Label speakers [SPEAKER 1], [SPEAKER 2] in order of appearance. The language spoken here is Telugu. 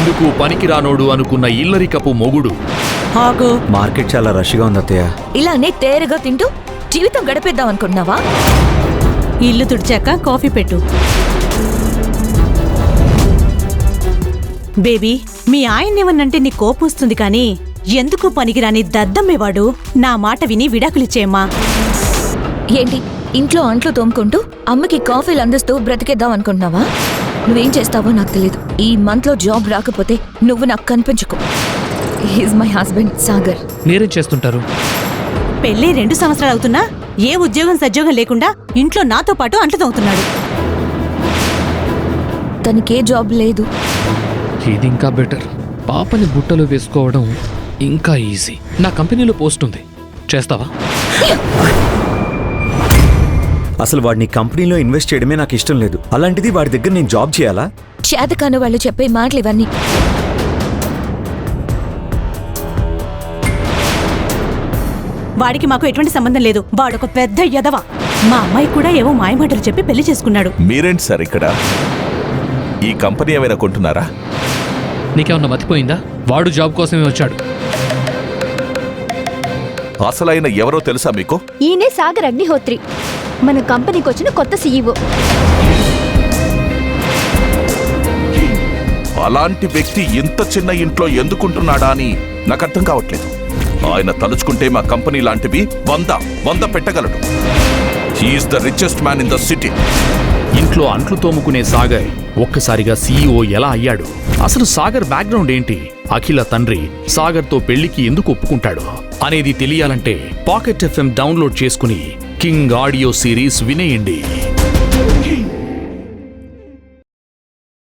[SPEAKER 1] ఎందుకు పనికిరానోడు అనుకున్న ఇల్లరికపు మొగుడు.
[SPEAKER 2] ఆగు.
[SPEAKER 3] మార్కెట్ చాలా రష్గా ఉంది అత్తయ్య.
[SPEAKER 4] ఇలానే తేరగా తింటూ జీవితం గడిపేద్దాం అనుకుంటున్నావా?
[SPEAKER 2] ఇల్లు తుడిచాక కాఫీ పెట్టు. బేబీ, మీ ఆయన్నేమన్నంటే నీ కోపం వస్తుంది కానీ ఎందుకు పనికిరాని దద్దమ్మేవాడు. నా మాట విని విడాకులిచ్చేయమ్మా.
[SPEAKER 4] ఏంటి ఇంట్లో అంట్లు తోముకుంటూ అమ్మకి కాఫీలు అందిస్తూ బ్రతికేద్దాం అనుకుంటున్నావా? నువ్వేం చేస్తావో నాకు తెలియదు. ఈ మంత్ లో జాబ్ రాకపోతే నువ్వు నాకు కనిపించుకో. He's my husband Sagar.
[SPEAKER 5] మీరేం చేస్తుంటారు?
[SPEAKER 2] పెళ్ళి 2 సంవత్సరాలు అవుతున్నా ఏ ఉద్యోగం సద్యోగం లేకుండా ఇంట్లో నాతో పాటు అంట్లు తోముతున్నాడు.
[SPEAKER 4] తనకే జాబ్ లేదు.
[SPEAKER 5] ఇది ఇంకా బెటర్. పాపని బుట్టలో వేసుకోవడం ఇంకా ఈజీ. నా కంపెనీలో పోస్ట్ ఉంది, చేస్తావా?
[SPEAKER 3] అసలు వాడిని కంపెనీలో ఇన్వెస్ట్ చేయడమే నాకు ఇష్టం లేదు. అలాంటిది వాడి దగ్గర నేను జాబ్ చేయాలా?
[SPEAKER 4] చేతకాని వాళ్ళు చెప్పే మాటలు ఇవన్నీ.
[SPEAKER 2] వాడికి మాకు ఎటువంటి సంబంధం లేదు. వాడొక పెద్ద యదవ. మా అమ్మాయి కూడా ఏవో మాయమాటలు చెప్పి పెళ్లి చేసుకున్నాడు.
[SPEAKER 6] మీరేంటి సార్ ఇక్కడ? ఈ కంపెనీ ఏమైనా కొంటున్నారా?
[SPEAKER 5] నీకేమన్నా మతిపోయిందా? వాడు జాబ్ కోసమే వచ్చాడు.
[SPEAKER 6] అసలైన ఎవరో తెలుసా మీకు?
[SPEAKER 7] ఈయనే సాగర్ అగ్నిహోత్రి, మన కంపెనీకి వచ్చిన కొత్త సీఈఓ.
[SPEAKER 6] అలాంటి వ్యక్తి ఇంత చిన్న ఇంట్లో ఎందుకుంటున్నాడా అని నాకు అర్థం కావట్లేదు. ఆయన తలుచుకుంటే మా కంపెనీ లాంటివి 100 పెట్టగలడు. He's the richest man in the city.
[SPEAKER 1] ఇంట్లో అంట్లు తోముకునే సాగర్ ఒక్కసారిగా సీఈఓ ఎలా అయ్యాడు? అసలు సాగర్ బ్యాక్గ్రౌండ్ ఏంటి? అఖిల తండ్రి సాగర్తో పెళ్లికి ఎందుకు ఒప్పుకుంటాడు అనేది తెలియాలంటే పాకెట్ FM డౌన్లోడ్ చేసుకుని కింగ్ ఆడియో సిరీస్ వినేయండి.